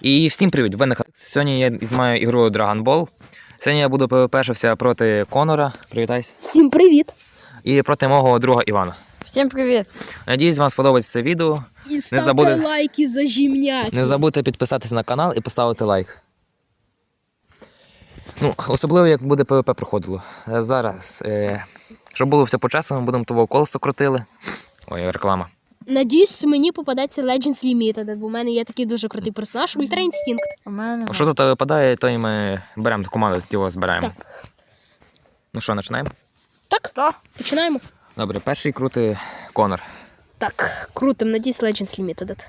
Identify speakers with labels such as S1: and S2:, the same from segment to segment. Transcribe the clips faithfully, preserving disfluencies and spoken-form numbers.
S1: І всім привіт! Ви на каналі. Сьогодні я знімаю ігру Dragon Ball. Сьогодні я буду пвпшився проти Конора. Привітайся.
S2: Всім привіт!
S1: І проти мого друга Івана.
S3: Всім привіт!
S1: Надіюсь, вам сподобається це відео.
S2: І ставте
S1: забуде...
S2: лайки за жімняки.
S1: Не забудьте підписатися на канал і поставити лайк. Ну, особливо, як буде ПВП проходило. Зараз, е... щоб було все по-чесному, будемо того колесо крутили. Ой, реклама.
S2: Надіюсь, мені попадеться Legends Limited, бо в мене є такий дуже крутий персонаж Ультра Інстинкт.
S3: У мене.
S1: А що тут випадає, то і ми беремо команду, тіло збираємо.
S2: Так.
S1: Ну що, починаємо?
S2: Так,
S3: Так.
S2: починаємо.
S1: Добре, перший крутий Конор.
S2: Так, крутим, надіюсь, Legends Limited.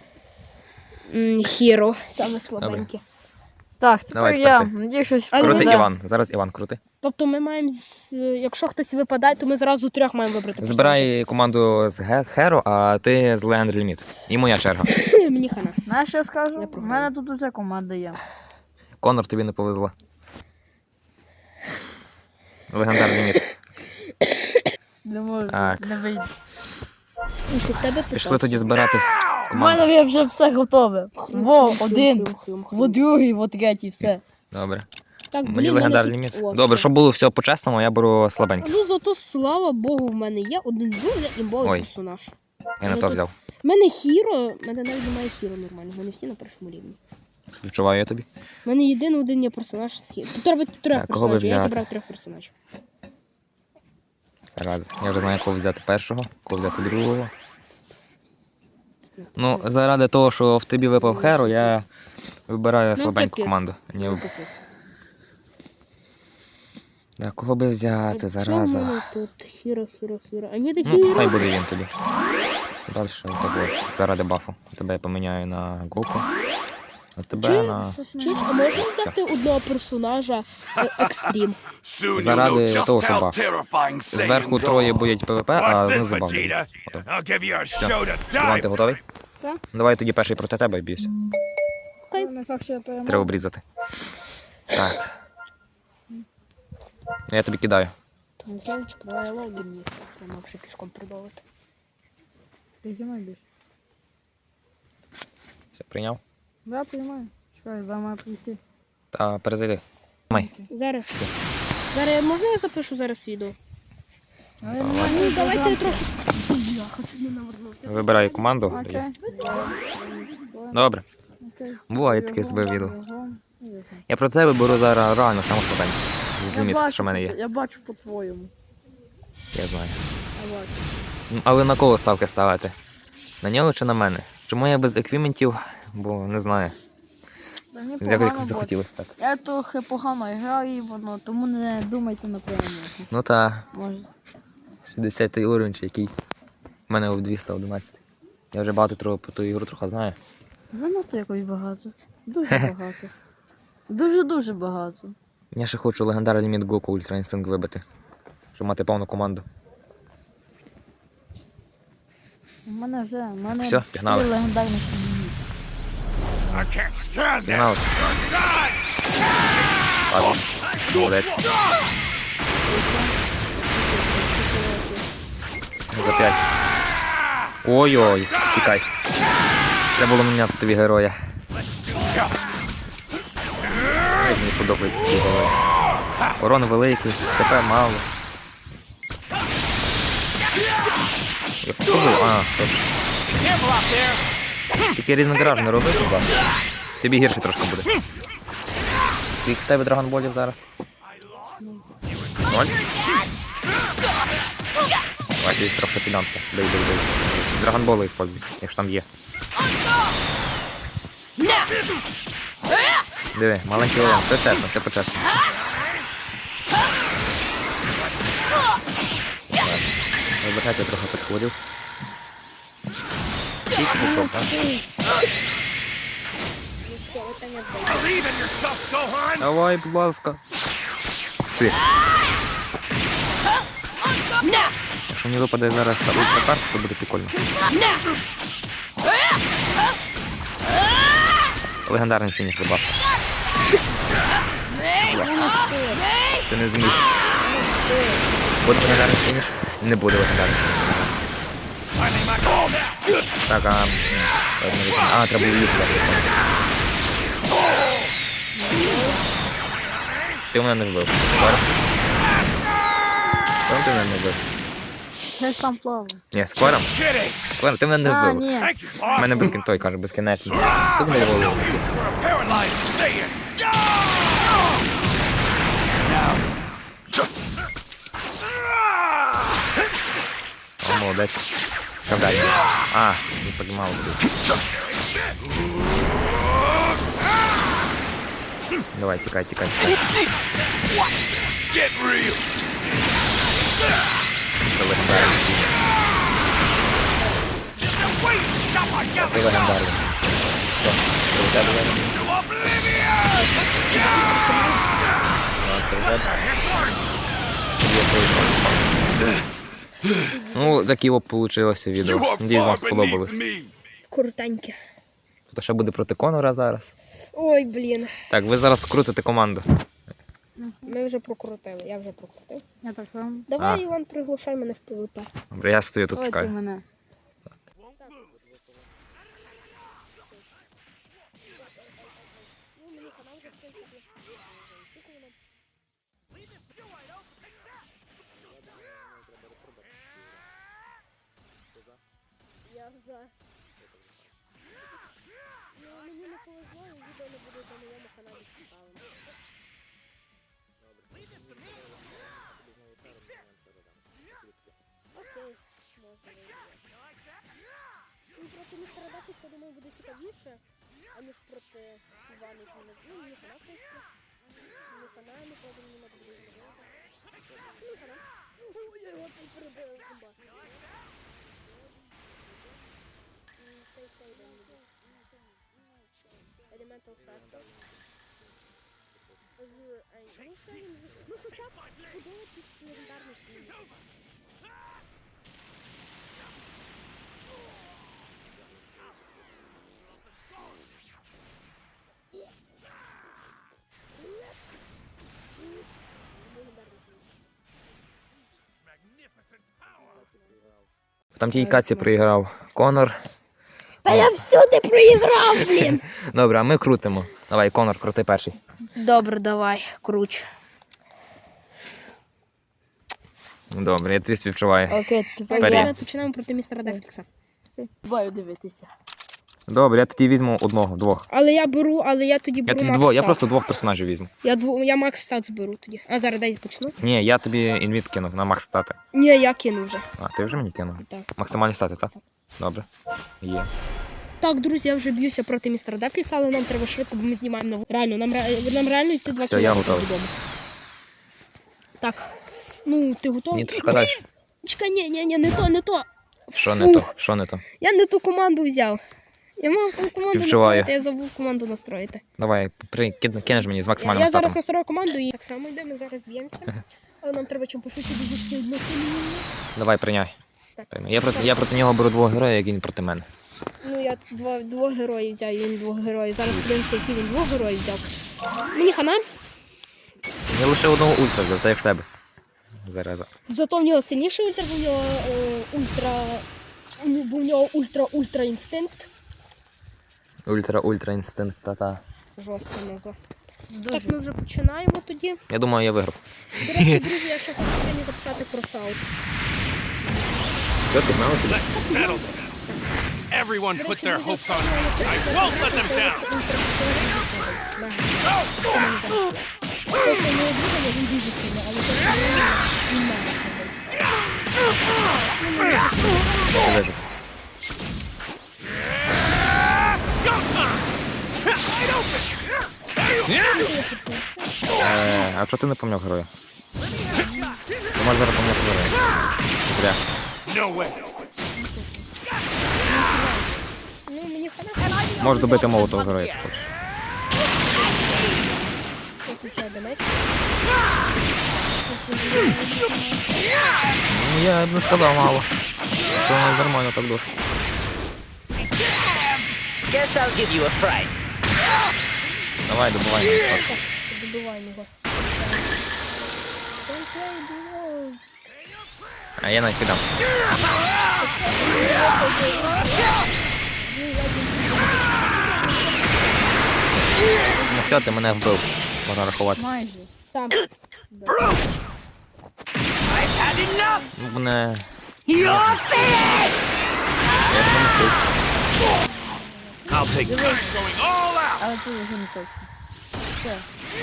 S2: Хіро, саме слабеньке.
S3: Так, тепер
S1: Давай,
S3: я.
S1: тепер ти.
S3: Надіюсь, щось
S2: Але
S1: Крутий
S2: ми-
S1: Іван. Зараз Іван крутий.
S2: Тобто ми маємо, з- якщо хтось випадає, то ми зразу трьох маємо вибрати.
S1: Збирай команду з Ге- Херо, а ти з Legendary Limit. І моя черга.
S2: персонажа. Мені хана.
S3: Знаєш, що я скажу?
S2: Я
S3: У
S2: програю.
S3: мене тут уже команда є.
S1: Конор, тобі не повезло. Legendary Limit.
S3: Не можу,
S1: Так.
S3: не вийде.
S2: І що в тебе
S1: Пішли
S2: питався?
S1: тоді збирати
S3: У
S1: команду.
S3: мене є вже все готове. Во, один,
S2: Хрум-хрум-хрум.
S3: во другий, во третій, все.
S1: Добре.
S2: Так,
S1: Мені
S2: блін, мене
S1: Legendary
S2: тут-
S1: Limit.
S2: О,
S1: Добре,
S2: все.
S1: щоб було все по-чесному, я беру слабенький.
S2: Ну зато, слава Богу, в мене є один дуже імбовий
S1: Ой.
S2: персонаж.
S1: Я не то взяв.
S2: У мене хіро, в мене навіть немає хіро нормально, в мене всі на першому рівні.
S1: Відчуваю я тобі.
S2: У мене єдиний один є персонаж з хіро. Тут треба трьох
S1: Так, кого би
S2: персонажів, я
S1: взяти?
S2: зібрав трьох персонажів.
S1: Раз. Я вже знаю, кого взяти першого, кого взяти другого. Ну, заради того, що в тобі випав Херо, я вибираю слабеньку
S2: капець.
S1: команду. Ні,
S2: Ну,
S1: виб-
S2: капець.
S1: Да, кого би взяти,
S2: Чому в
S1: зараза.
S2: мене тут хіро, хіро, хіро. А ні, де
S1: Ну, хай
S2: хіро.
S1: буде він тоді. Далі у тебе заради бафу. Тебе я поміняю на Гоку. А тебе
S2: Чи-
S1: на.
S2: Чуєш, а можна взяти одного персонажа е, екстрім?
S1: Заради того, що баф. Зверху троє будуть ПВП, а знизу баф. буде. Іван, ти готовий?
S2: Так.
S1: Давай тоді перший проти тебе б'юсь.
S2: Окей.
S3: Не факт, що я перемогу.
S1: Треба обрізати. Так. Я тобі кидаю.
S2: Танкевич правило гімніста, що нам ще пішком придовити.
S3: Ти зі мною більше.
S1: Все, прийняв.
S3: Да, приймаю. Чекай, за мною прийти.
S1: Та перезайди. Май.
S2: Зараз.
S1: Все.
S2: Зараз, можна я запишу зараз відео?
S3: Але
S2: Ну,
S3: немає
S2: давайте я
S3: проблем.
S2: трохи... Я хочу не навернути.
S1: Вибираю команду.
S3: Окей.
S1: Добре.
S3: Окей.
S1: Буває таке себе відео.
S3: Бігом, бігом.
S1: Я про тебе беру зараз реально саму слабеньку. З
S3: Я
S1: ліміт,
S3: бачу
S1: що в мене
S3: по-
S1: є.
S3: Я бачу по-твоєму.
S1: Я знаю.
S3: Я бачу.
S1: Ну, але на кого ставки ставити? На нього чи на мене? Чому я без еквіментів? Бо не знаю.
S3: Та мені
S1: Якось
S3: погано
S1: якось
S3: буде.
S1: захотілося так.
S3: Я трохи погано граю, воно, тому не думайте на перемогу.
S1: Ну та
S3: Може.
S1: шістдесятий уровень чи який. У мене в двісті одинадцять. Я вже багато трохи про ту ігру трохи знаю.
S3: Занадто якось багато. Дуже багато. Дуже-дуже багато.
S1: Я ще хочу легендарний ліміт Гоку Ультра Інстинкт вибити. Щоб мати повну команду.
S3: У мене вже, у мене
S1: Всьо, пігнали.
S3: чотири легендарних ліміти.
S1: Фінал. Ладно. Молодець. За п'ять. Ой-ой, тікай. Треба було міняти тобі героя. Ай, мені подобається такий герой. Урон великий, ТП мало. Як то було? А, точно. Тільки різнограж не роби, будь ласка. Тобі гірше трошки буде. Скільки в тебе драгонболів зараз? Ноль? Давай ти трохи піддамся. Дай, дай, дай. Драгонболи используй, якщо там є. Диви, маленький урон, все чесно, все по-чесному. Вибачайте, я трохи підходив. Скільки був, так? Давай, будь ласка. Стих. Якщо мені випаде зараз та ультракарта, то буде прикольно. Легендарний фініш, будь ласка. Будь ласка. Ти не зміг. Буде легендарний фініш? Не буде легендарний фініш. Так, а... А, треба її туди. Ти мене не вбив. Скоро? Скоро ти мене не вбив.
S3: Я сам плаваю.
S1: Ні, скоро? Скоро, ти мене не
S3: А,
S1: вбив.
S3: ні.
S1: У мене безкін... той каже, безкінечно. Ти мене голову. О, молодець. Що далі? А, не піднімав тут. Давай, тікай, тікай, тікай. Це легендарний. Це легендарний. Що? Прилетає до мене? Так, прилетає. Є свої слова. Ну, такі от получилося відео. Надіюсь, вам сподобалось.
S2: Крутеньке.
S1: То ще буде проти Конора зараз.
S2: Ой, блін.
S1: Так, ви зараз крутите команду.
S2: Ми вже прокрутили, я вже прокрутив.
S3: Я так само.
S2: Давай,
S1: А.
S2: Іван, приглушай мене в ПВП.
S1: Добре, я стою тут
S3: Ой, ти
S1: чекаю.
S3: мене.
S2: Я за. Ну, мені не повезло, і відео не буде на моєму каналі цікавим. Окей, можна вийти. Ну, проти містера Дафікса, думаю, буде цікавіше, аніж проти Івана, який не... Ну, мені хана просто. Мені хана, не правда, мені не буде зробити. Мені хана. Ой, я його там перебила зуба. Цей цей день буде. Elemental Factor. Azure Angel. Ну, це він... Ну, хоча б подивитись легендарний фільм.
S1: Там тій каці проіграв Конор.
S2: Та я всюди проіграв, блін!
S1: Добре, а ми крутимо. Давай, Конор, крути перший.
S2: Добре, давай, круч.
S1: Добре, я тобі співчуваю.
S3: Окей, тепер
S1: Вперед.
S3: я
S2: Зараз починаємо проти містера Дафікса.
S3: бою дивитися.
S1: Добре, я тоді візьму одного, двох.
S2: Але я беру, але я тоді
S1: Я
S2: беру
S1: тобі
S2: Макс
S1: двох, я
S2: Стац.
S1: просто двох персонажів візьму.
S2: Я, дво... я Макс Стац беру тоді. А зараз дай почну.
S1: Ні, я тобі інвіт кинув на макс стати.
S2: Ні, я кину вже.
S1: А, ти вже мені кинув?
S2: Так.
S1: Максимальні стати, так? Добре. Є.
S2: Так, друзі, я вже б'юся проти містера Дафікса, але нам треба швидко, бо ми знімаємо нову. Реально, нам, ре- нам реально йти два
S1: Все, я
S2: кілометри
S1: готовий.
S2: додому. Так. Ну, ти готовий?
S1: Ні, трошки далі.
S2: Чекай, ні, ні, ні, не то, не то.
S1: Що не то?
S2: Фух,
S1: Що не то?
S2: Я не ту команду взяв. Я мав ту команду
S1: Співчуваю.
S2: настроїти, я забув команду настроїти.
S1: Давай, при... кид- кинеш мені з
S2: Я,
S1: максимальним
S2: я
S1: статом.
S2: зараз настрою команду і так само йдемо, зараз б'ємося. Але нам треба чим пошвидше дуже сильно кільні.
S1: Давай, прийняй.
S2: Так.
S1: Прийняй. Я проти, я проти нього беру двох героїв, як він проти мене.
S2: Ну, я два, двох героїв взяв, і він двох героїв. Зараз подивимося, які він двох героїв взяв. Мені хана,
S1: Я лише одного ультра взяв, та як в тебе. Зараза.
S2: зато в нього сильніший ультра, бо в нього е, ультра... Бо в нього ультра-ультра інстинкт.
S1: Ультра-ультра інстинкт, та-та.
S2: Жорстка назва. Так, ми вже починаємо тоді.
S1: Я думаю, я виграв.
S2: До речі, друзі, я ще хочу сьогодні записати кросаут.
S1: Що, ти знав тобі?
S4: Settle this. Everyone put their hopes on me. I won't let them down.
S2: Те, що не обрізано, він дуже сильно, але те, що не він має сильно.
S1: Ти вижив. Е, а що ти не помняв героя? Ти можеш зараз помняти героя. Зря.
S4: No way.
S2: Ну, мені хана.
S1: Можеш добити молотого героя, якщо хочеш.
S2: Я включаю донат.
S1: Ну, я б не сказав мало. Що воно нормально так досить.
S5: Guess I'll give you a fright.
S1: Давай, добивай мене спершу.
S2: Добиваємо його. Don't play the world.
S1: А я навіть підам. Ну все, ти мене вбив. Можна рахувати.
S3: Майже.
S2: Там.
S4: Brute! I've had enough!
S1: Ну, мене...
S5: You're finished!
S1: Я ж не встиг.
S4: I'll take turns going all out!
S3: Але ти вже не точно. Все.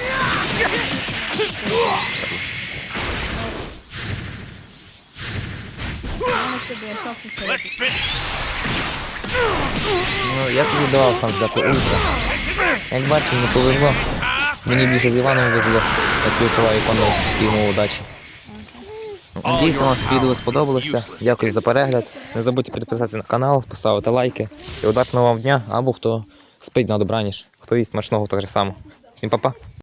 S3: Мама в тебе шанс не
S4: Let's finish!
S1: Ну, я тобі давав шанс взяти ультра.
S4: This is it!
S1: Як бачиш, не повезло. Мені більше з Іваном везло. Я співчуваю пану і йому удачі. Ну, Надіюся, вам це відео сподобалося. Дякую за перегляд. Не забудьте підписатися на канал, поставити лайки. І удачного вам дня, або хто спить на добраніч, хто їсть смачного так же само. Всім па-па.